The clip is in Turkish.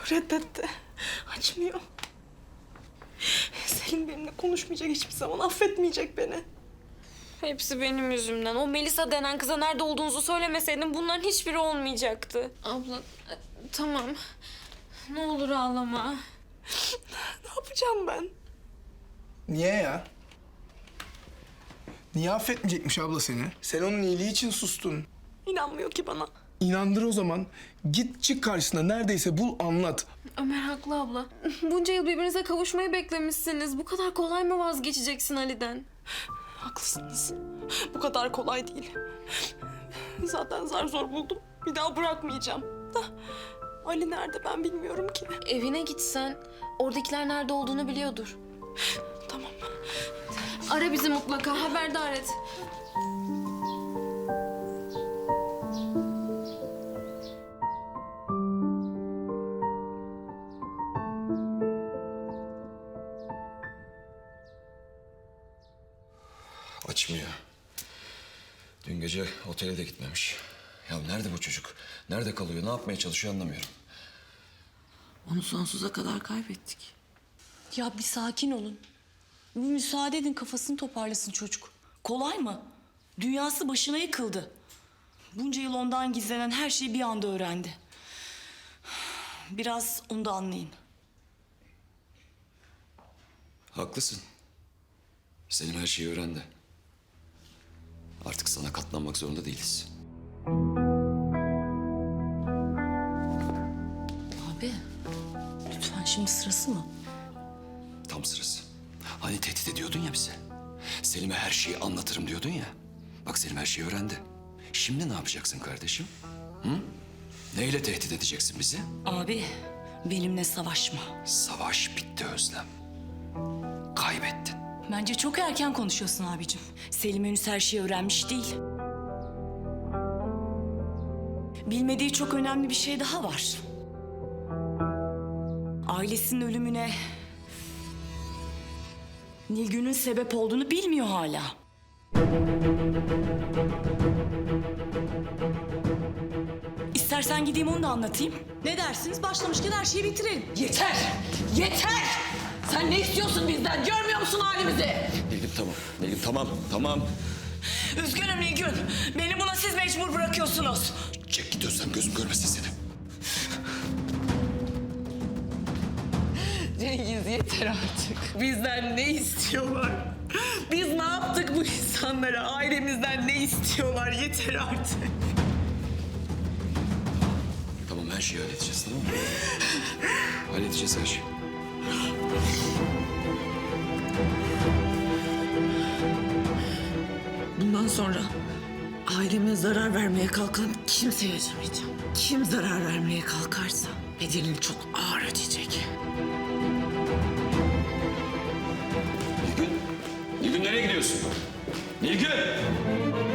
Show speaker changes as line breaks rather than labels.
Reddetti. Açmıyor. Selim benimle konuşmayacak hiçbir zaman. Affetmeyecek beni.
Hepsi benim yüzümden. O Melisa denen kıza nerede olduğunuzu söylemeseydin bunların hiçbiri olmayacaktı. Abla tamam. Ne olur ağlama.
Ne yapacağım ben?
Niye ya? Niye affetmeyecekmiş abla seni? Sen onun iyiliği için sustun.
İnanmıyor ki bana.
İnandır o zaman. Git çık karşısına neredeyse bul anlat.
Ömer haklı abla. Bunca yıl birbirinize kavuşmayı beklemişsiniz. Bu kadar kolay mı vazgeçeceksin Ali'den?
Haklısınız. Bu kadar kolay değil. Zaten zar zor buldum. Bir daha bırakmayacağım. Da Ali nerede ben bilmiyorum ki.
Evine gitsen oradakiler nerede olduğunu biliyordur.
Tamam.
Ara bizi mutlaka, haberdar et.
Açmıyor. Dün gece otele de gitmemiş. Ya nerede bu çocuk? Nerede kalıyor? Ne yapmaya çalışıyor anlamıyorum.
Onu sonsuza kadar kaybettik. Ya bir sakin olun. Bir müsaade edin, kafasını toparlasın çocuk. Kolay mı? Dünyası başına yıkıldı. Bunca yıl ondan gizlenen her şeyi bir anda öğrendi. Biraz onu da anlayın.
Haklısın. Selim her şeyi öğrendi. Artık sana katlanmak zorunda değiliz.
Abi, lütfen şimdi sırası mı?
Tam sırası. Hani tehdit ediyordun ya bize. Selim'e her şeyi anlatırım diyordun ya. Bak Selim her şeyi öğrendi. Şimdi ne yapacaksın kardeşim? Hı? Neyle tehdit edeceksin bizi?
Abi, benimle savaşma.
Savaş bitti Özlem. Kaybettin.
Bence çok erken konuşuyorsun abicim. Selim henüz her şeyi öğrenmiş değil. Bilmediği çok önemli bir şey daha var. Ailesinin ölümüne Nilgün'ün sebep olduğunu bilmiyor hala. İstersen gideyim onu da anlatayım. Ne dersiniz? Başlamışken her şeyi bitirelim.
Yeter! Yeter! Sen ne istiyorsun bizden? Görmüyor musun halimizi?
Nilgün tamam. Nilgün tamam.
Üzgünüm Nilgün. Beni buna siz mecbur bırakıyorsunuz.
Çek git Özlem, gözüm görmesin seni.
Cengiz yeter artık. Bizden ne istiyorlar? Biz ne yaptık bu insanlara? Ailemizden ne istiyorlar? Yeter artık.
Tamam her şeyi halledeceğiz tamam mı? Halledeceğiz her şeyi.
Bundan sonra aileme zarar vermeye kalkan kimseye acımayacağım. Kim zarar vermeye kalkarsa bedelini çok ağır ödeyecek.
Nilgün nereye gidiyorsun? Nilgün!